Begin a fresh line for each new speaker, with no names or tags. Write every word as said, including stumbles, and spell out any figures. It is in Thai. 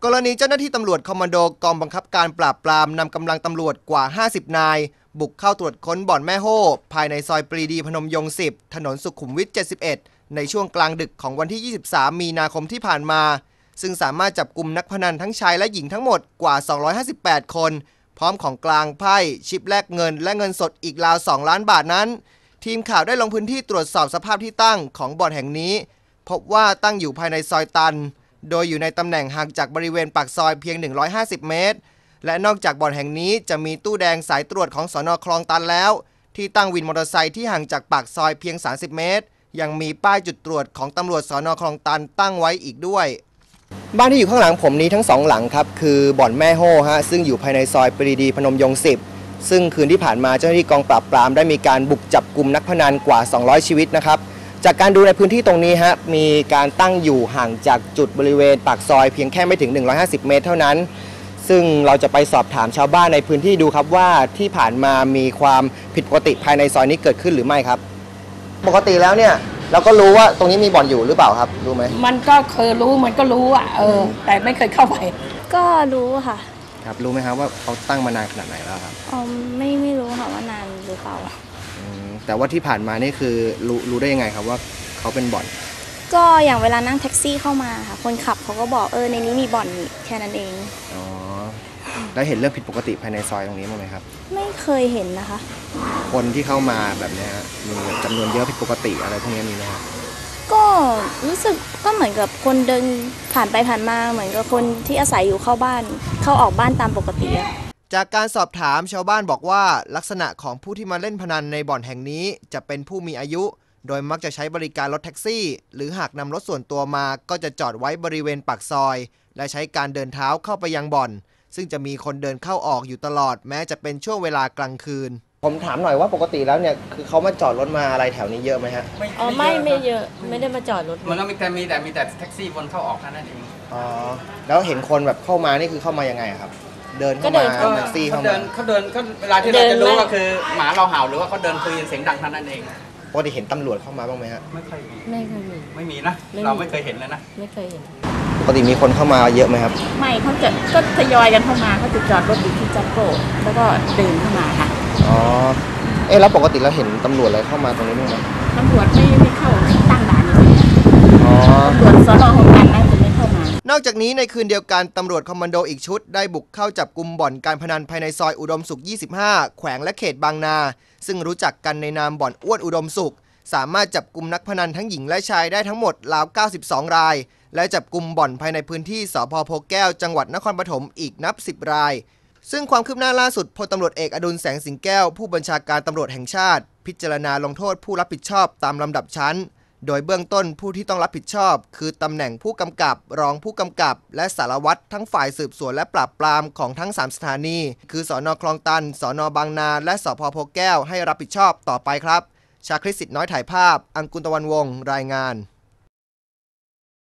กรณีเจ้าหน้าที่ตำรวจคอมมานโดกองบังคับการปราบปรามนำกำลังตำรวจกว่าห้าสิบนายบุกเข้าตรวจค้นบ่อนแม่โฮ่ภายในซอยปรีดีพนมยงค์สิบถนนสุขุมวิทเจ็ดสิบเอ็ดในช่วงกลางดึกของวันที่ยี่สิบสามมีนาคมที่ผ่านมาซึ่งสามารถจับกุมนักพนันทั้งชายและหญิงทั้งหมดกว่าสองร้อยห้าสิบแปดคนพร้อมของกลางไพ่ชิปแลกเงินและเงินสดอีกราวสองล้านบาทนั้นทีมข่าวได้ลงพื้นที่ตรวจสอบสภาพที่ตั้งของบ่อนแห่งนี้พบว่าตั้งอยู่ภายในซอยตันโดยอยู่ในตำแหน่งห่างจากบริเวณปากซอยเพียงหนึ่งร้อยห้าสิบเมตรและนอกจากบ่อนแห่งนี้จะมีตู้แดงสายตรวจของสน.คลองตันแล้วที่ตั้งวินมอเตอร์ไซค์ที่ห่างจากปากซอยเพียงสามสิบเมตรยังมีป้ายจุดตรวจของตำรวจสน.คลองตันตั้งไว้อีกด้วยบ้านที่อยู่ข้างหลังผมนี้ทั้งสองหลังครับคือบ่อนแม่โฮ่ฮะซึ่งอยู่ภายในซอยปรีดีพนมยงค์สิบซึ่งคืนที่ผ่านมาเจ้าหน้าที่กองปราบปรามได้มีการบุกจับกุมนักพนันกว่าสองร้อยชีวิตนะครับจากการดูในพื้นที่ตรงนี้ฮะมีการตั้งอยู่ห่างจากจุดบริเวณปากซอยเพียงแค่ไม่ถึงหนึ่งร้อยห้าสิบเมตรเท่านั้นซึ่งเราจะไปสอบถามชาวบ้านในพื้นที่ดูครับว่าที่ผ่านมามีความผิดปกติภายในซอยนี้เกิดขึ้นหรือไม่ครับปกติแล้วเนี่ยเราก็รู้ว่าตรงนี้มีบ่อนอยู่หรือเปล่าครับรู้ไหม
มันก็เคยรู้มันก็รู้อ่ะเออแต่ไม่เคยเข้าไป
ก็รู้ค่ะ
ครับรู้ไหมครับว่าเขาตั้งมานานขนาดไหนแล้วครับ
อ๋อไม่ไม่รู้ค่ะว่านานหรือเปล่า
แต่ว่าที่ผ่านมานี่คือรู้รู้ได้ยังไงครับว่าเขาเป็นบ่อน
ก็อย่างเวลานั่งแท็กซี่เข้ามาค่ะคนขับเขาก็บอกเออในนี้มีบ่อนแค่นั้นเอง
อ๋อแล้วเห็นเรื่องผิดปกติภายในซอยตรงนี้มั้ยครับ
ไม่เคยเห็นนะคะ
คนที่เข้ามาแบบนี้มีจำนวนเยอะผิดปกติอะไรพวกนี้มีไหมครับ
ก็รู้สึกก็เหมือนกับคนเดินผ่านไปผ่านมาเหมือนกับคนที่อาศัยอยู่เข้าบ้านเข้าออกบ้านตามปกติ
จากการสอบถามชาวบ้านบอกว่าลักษณะของผู้ที่มาเล่นพนันในบ่อนแห่งนี้จะเป็นผู้มีอายุโดยมักจะใช้บริการรถแท็กซี่หรือหากนำรถส่วนตัวมาก็จะจอดไว้บริเวณปากซอยและใช้การเดินเท้าเข้าไปยังบ่อนซึ่งจะมีคนเดินเข้าออกอยู่ตลอดแม้จะเป็นช่วงเวลากลางคืนผมถามหน่อยว่าปกติแล้วเนี่ยคือเขามาจอดรถมาอะไรแถวนี้เยอะไหมฮะ
อ๋อไม่ไม่เยอะไม่ได้มาจอดรถ
มันก็มีแต่มีแต่มีแต่แท็กซี่วนเข้าออกแค่นั้นเอง
อ๋อแล้วเห็นคนแบบเข้ามานี่คือเข้ามายังไงครับเดินเข้ามาแท็กซี่เข้ามา
เขาเดินเขาเวลาที่เราจะรู้ก็คือหมาเราเห่าหรือว่าเขาเดินคุยเสียงดังเท่านั้นเอง
ปกติเห็นตำรวจเข้ามาบ้างไหมฮะ
ไม่เคยมี
ไม่เคยมี
ไม่มีนะเราไม่เคยเห็นเลยนะ
ไม่เคยเห็น
ปกติมีคนเข้ามาเยอะไหมครับ
ไม่เขาจะก็ทยอยกันเข้ามาเขาจะจอดรถอยู่ที่จักรโกแล้วก็เดินเข้ามาค่ะ
อ๋อเอ๊ะแล้วปกติเราเห็นตำรวจอะไรเข้ามาตรงนี้บ้างไหม
ตำรวจไม่ไม่เข้าตั้งด่านอยู่อ๋อตำรวจสน.ของกันน่าจะไม่เข้าม
านอกจากนี้ในคืนเดียวกันตำรวจคอมมานโดอีกชุดได้บุกเข้าจับกุมบ่อนการพนันภายในซอยอุดมสุขยี่สิบห้าแขวงและเขตบางนาซึ่งรู้จักกันในนามบ่อนอ้วนอุดมสุขสามารถจับกุมนักพนันทั้งหญิงและชายได้ทั้งหมดราวเก้าสิบสองรายและจับกุมบ่อนภายในพื้นที่สภ.โพแก้วจังหวัดนครปฐมอีกนับสิบรายซึ่งความคืบหน้าล่าสุดพลตำรวจเอกอดุลแสงสิงแก้วผู้บัญชาการตำรวจแห่งชาติพิจารณาลงโทษผู้รับผิดชอบตามลำดับชั้นโดยเบื้องต้นผู้ที่ต้องรับผิดชอบคือตำแหน่งผู้กำกับรองผู้กำกับและสารวัตรทั้งฝ่ายสืบสวนและปราบปรามของทั้งสามสถานีคือสน.คลองตันสน.บางนาและสภ.โพแก้วให้รับผิดชอบต่อไปครับชาคริต สิทธิ์น้อยถ่ายภาพอังกุลตะวันวงศ์รายงาน